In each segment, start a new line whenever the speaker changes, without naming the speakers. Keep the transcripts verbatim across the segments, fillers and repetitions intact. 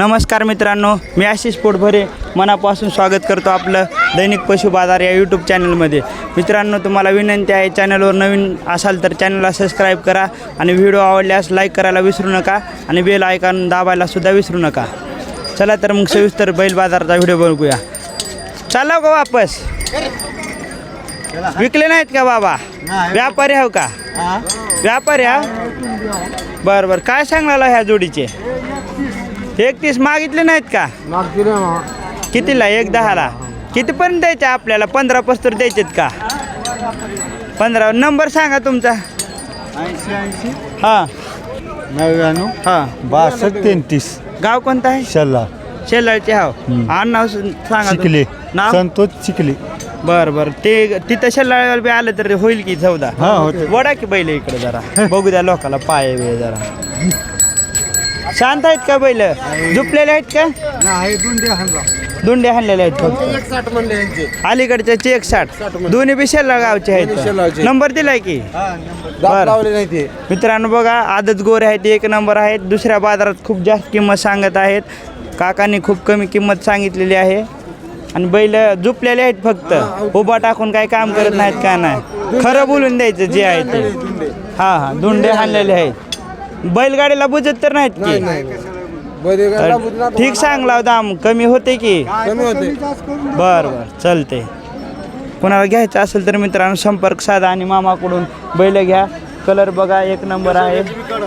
नमस्कार मित्रांनो, मी आशिष पोटभरे मनापासून स्वागत करतो आपलं दैनिक पशु बाजार या यूट्यूब चॅनलमध्ये। मित्रांनो, तुम्हाला विनंती आहे, चॅनलवर नवीन असाल तर चॅनलला सबस्क्राईब करा आणि व्हिडिओ आवडल्यास लाईक करायला विसरू नका आणि बेल आयकॉन दाबायला सुद्धा विसरू नका। चला तर मग सविस्तर बैल बाजाराचा व्हिडिओ बघूया। चला का वापस विकले नाहीत का बाबा? व्यापारी हो का? व्यापारी हा? बरं बरं, काय सांगला ह्या जोडीचे? एकतीस मागितले नाहीत का? कितीला? एक दहाला? कितीपर्यंत द्यायचे आपल्याला? पंधरा पस्तर द्यायचेत का? पंधरा नंबर सांगा तुमचा।
ऐंशी ऐंशी
हां
नव्याण्णव
हां
बासष्ट तेहतीस।
गाव कोणतं आहे?
शल्ला
शेलाळचे हाव। आणि नाव सांगा
चिखले,
तुम- नाव?
संतोष चिखले।
बरं बरं, ते तिथं शेलाळीवर बी आलं तर होईल की चौदा?
हा होते।
वडा की बैल इकडे जरा बघू द्या लोकाला, पाय बे जरा शांत आहेत का बैल? झुपलेले आहेत का? दोंडे हाणलेले आहेत फक्त? अलीकडच्या चेक साठ दोन्ही बी शेला गावचे आहेत। नंबर दिलाय की? बरं. मित्रांनो बघा, आदत गोरे आहेत, एक नंबर आहेत। दुसऱ्या बाजारात खूप जास्त किंमत सांगत आहेत, काकांनी खूप कमी किंमत सांगितलेली आहे। आणि बैल झुपलेले आहेत, फक्त उभा टाकून काही काम करत नाहीत का नाही, खरं बोलून द्यायचं जे आहे ते। हां हां, धुंडे हाणलेले आहेत। बैलगाडीला बुजत तर नाहीत की? तर ठीक सांगला दाम, कमी होते की? बरं बरं, चलते। कोणाला घ्यायचं असेल तर मित्रांनो संपर्क साधा आणि मामाकडून बैल घ्या। कलर बघा, एक नंबर आहे।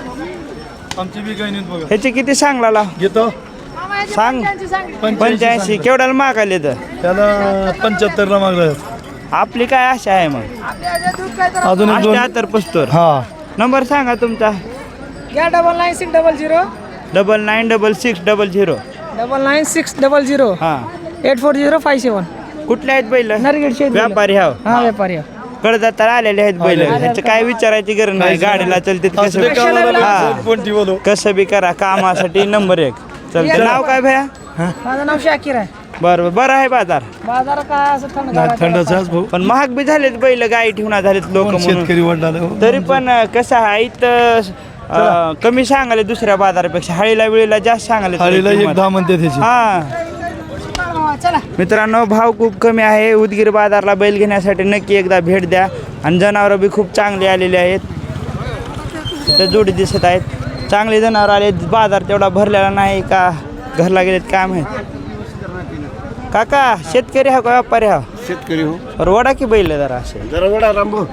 ह्याचे किती सांगला घेतो? सांग। पंच्याऐंशी केवढ्याला मागायले? तर
त्याला पंच्याहत्तरला मागलं।
आपली काय आशा आहे मग?
अजून एक दोन
अठ्याहत्तर पस्तर।
हा
नंबर सांगा तुमचा।
या double nine six double zero
double nine double six double zero
double nine six double zero
हां।
Eight four zero five seven.
कुठले आहेत बैल?
नरगेडचे
व्यापारी हाव?
हा व्यापारी आहे.
कडदातार आलेले आहेत बैल, ह्याचं काय विचारायची गरज नाही, गाडीला चलते कसं बी. हा, कसं बी करा, कामासाठी नंबर एक चलते। नाव काय भया?
माझं नाव शाकीर आहे.
बरं बरं आहे बाजार,
बाजार काय असं थंड
थंडच भाऊ,
पण महाग बी झालेत बैल, गाई ठेवून झालेत लोक
शेतकरी वडला
तरी पण कसं आहे इथं अं, कमी सांगाले दुसऱ्या बाजारापेक्षा। हळीला वेळेला जास्त सांगाले
थाळीला एक दहा म्हणते त्याची।
हा
चला
मित्रांनो, भाव खूप कमी आहे। उदगीर बाजारला बैल घेण्यासाठी नक्की एकदा भेट द्या। आणि जनावरं बी खूप चांगली आलेली आहेत, तिथं जोडी दिसत आहेत, चांगली जनावर आले। बाजार तेवढा भरलेला नाही का, घरला गेलेत काय माहित। काका शेतकरी हा का व्यापारी हा?
शेतकरी हो।
बरं, वडा की बैल जरा असे
जरा वडा रामभाऊ,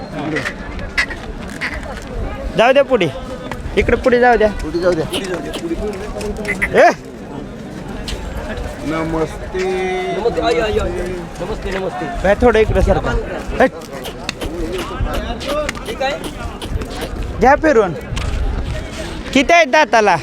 जाऊ द्या पुढे, इकडे पुढे जाऊ द्या।
जाऊ द्या।
ए
नमस्ते
नमस्ते नमस्ते.
काय थोडं इकडे सरका, हट. घ्या फिरून। किती आहेत दाताला?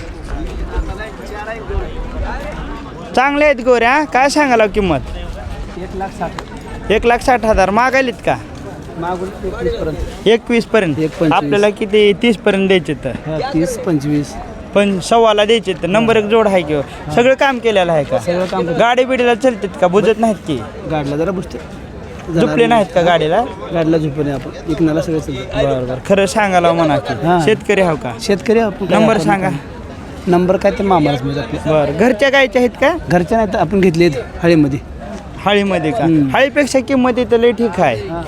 चांगले आहेत गोऱ्या। काय सांगाला किंमत?
एक लाख साठ.
एक लाख साठ हजार मागायलीत का?
मागून एकवीस पर्यंत.
एकवीस पर्यंत?
एक पंचवीस.
आपल्याला किती तीस पर्यंत द्यायचे तर?
तीस पंचवीस.
पण सव्वाला द्यायचे तर नंबर एक जोड आहे किंवा सगळं काम केलेलं आहे का?
सगळं काम करतो.
गाडी बिडीला चलतात का? बुजत नाहीत की?
गाडीला जरा बुजते.
झुपले नाहीत का गाडीला?
गाडीला झुपले आपण इकनाला सगळं चालतं.
बरं बरं, खरं सांगायला म्हणा की
हां.
शेतकरी हो का?
शेतकरी आपण
नंबर
आपण-
सांगा.
नंबर काय तर मामालाच मिळत आपल्या.
बरं, घरच्या गायच्या आहेत का?
घरच्या नाही तर आपण घेतलेत हळीमध्ये.
हळीमध्ये का?
हम्म.
हळीपेक्षा किंमत इथं लई ठीक आहे।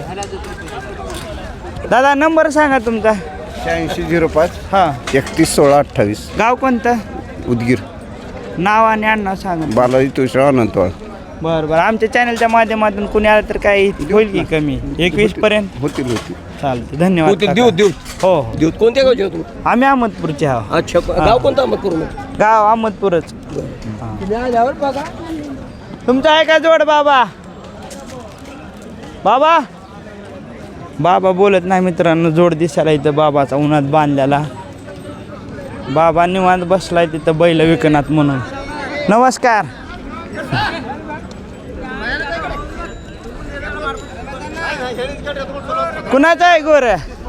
दादा नंबर सांगा तुमचा।
शहाऐंशी झिरो पाच
हां।
एकतीस सोळा अठ्ठावीस।
गाव कोणतं?
उदगीर,
नाव आणि आडनाव सांगा।
बालाजी तुळशीराव अनंतवाळ।
बरं बरं, आमच्या चॅनलच्या माध्यमातून कोणी आलं तर काही होईल की कमी? एकवीस पर्यंत
होतील होतील।
चालते, धन्यवाद
देऊ
काका.
देऊ
हो हो,
देऊ. कोणत्या गावचे हो तुम्ही?
आम्ही अहमदपूरचे आहोत।
अच्छा, गाव कोणतं मग करू मग?
गाव अहमदपूरच।
आल्यावर बघा.
तुमचा आहे का जोड बाबा? बाबा बाबा बोलत नाही मित्रांनो, जोड दिसायला इथं बाबाचा उन्हात बांधलेला। बाबा निवांत बसलाय तिथं बैल विकनात म्हणून। नमस्कार। कुणाचं आहे गोर?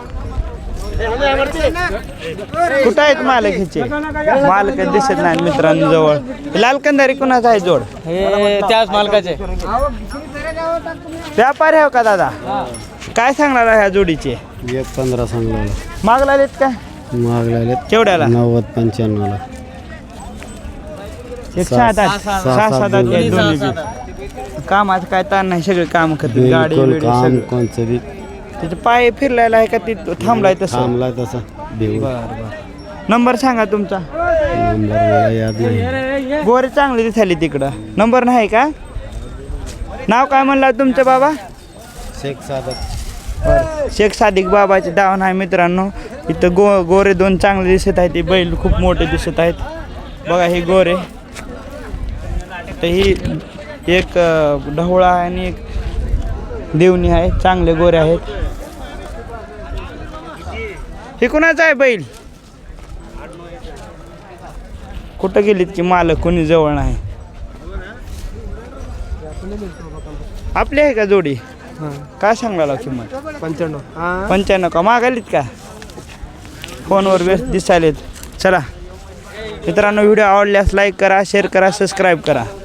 कुठं आहेत मालक ह्याचे? मालक दिसत नाही मित्रांनो जवळ। लाल कंधारी कुणाचा आहे जोड?
हे त्याच मालकाचे.
व्यापारी आहे का दादा? काय सांगणार ह्या जोडीचे?
एक पंधरा सांगला
मागला का?
मागला
केवढ्याला?
नव्वद पंच्याण्णवला।
एक सहा दात सहा सहा दात आहेत दोन्ही बी. कामाचं काय ताण नाही, सगळे काम करते गाडी
बिलकुल
बिडी
काम
सगळं.
कोणचं बी
त्याचे पाय फिरलायला आहे का ती थांबलाय तसं?
थांबलाय तसा देऊ
बरं बरं. नंबर सांगा तुमचा.
नंबर मला याद नाही.
गोरे चांगली दिसायली तिकडं. नंबर नाही का? नाव काय म्हणला तुमचं बाबा?
शेख सादत.
बरं. शेख सादिक बाबाचे दावण आहे मित्रांनो. इथं गो गोरे दोन चांगले दिसत आहेत. ते बैल खूप मोठे दिसत आहेत. बघा हे गोरे. तर ही एक अं, ढवळा आहे आणि एक देवणी आहे. चांगले गोरे आहेत. हे कुणाचं आहे बैल? कुठं गेलीत की मालक कोणी जवळ नाही. आपली आहे का जोडी? काय सांगायला किंमत?
पंच्याण्णव
पंच्याण्णव का मागालीत का? फोनवर व्यस्त दिसायलेत. चला मित्रांनो, व्हिडिओ आवडल्यास लाईक करा, शेअर करा, सबस्क्राईब करा.